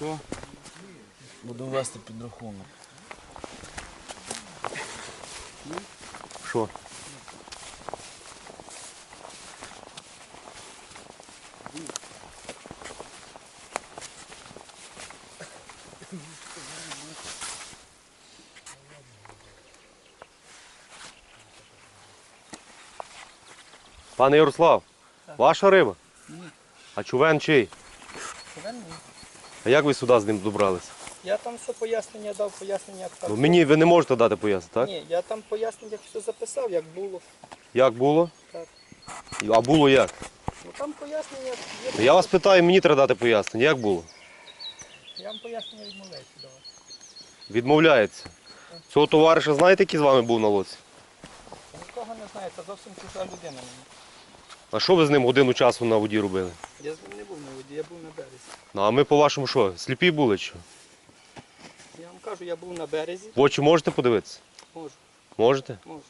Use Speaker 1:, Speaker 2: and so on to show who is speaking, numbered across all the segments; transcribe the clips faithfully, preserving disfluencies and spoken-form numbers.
Speaker 1: Все. Буду вести підрахунок.
Speaker 2: Що? Пане Ярослав, ваша риба?
Speaker 3: Ні.
Speaker 2: А човен чий?
Speaker 3: Човен ні.
Speaker 2: А як ви сюди з ним добралися?
Speaker 3: Я там все пояснення дав, пояснення як так.
Speaker 2: Ну, мені ви не можете дати пояснити, так?
Speaker 3: Ні, я там пояснення все записав, як було.
Speaker 2: Як було?
Speaker 3: Так.
Speaker 2: А було як?
Speaker 3: Ну там пояснення є.
Speaker 2: Я вас питаю, мені треба дати пояснення. Як було?
Speaker 3: Я вам пояснення відмовляюся давати.
Speaker 2: Відмовляється. Цього товариша знаєте, який з вами був на лодці?
Speaker 3: Нікого не знаю, це зовсім чужа людина мені.
Speaker 2: А що ви з ним годину часу на воді робили?
Speaker 3: Я з ним не був на воді, я був на березі.
Speaker 2: Ну, а ми по-вашому що, сліпі були чи що?
Speaker 3: Я вам кажу, я був на березі.
Speaker 2: В очі можете подивитися?
Speaker 3: Можу,
Speaker 2: Можете?
Speaker 3: можу.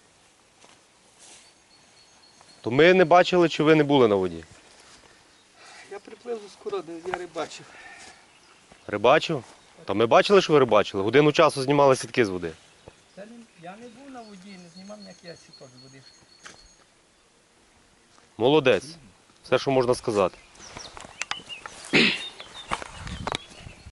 Speaker 2: То ми не бачили, чи ви не були на воді?
Speaker 3: Я приплив з Скороди, я рибачив.
Speaker 2: Рибачив? Та ми бачили, що ви рибачили. Годину часу знімали сітки з води.
Speaker 3: Це не, я не був на воді, не знімав ніяких сіток з води.
Speaker 2: Молодець. Все, що можна сказати.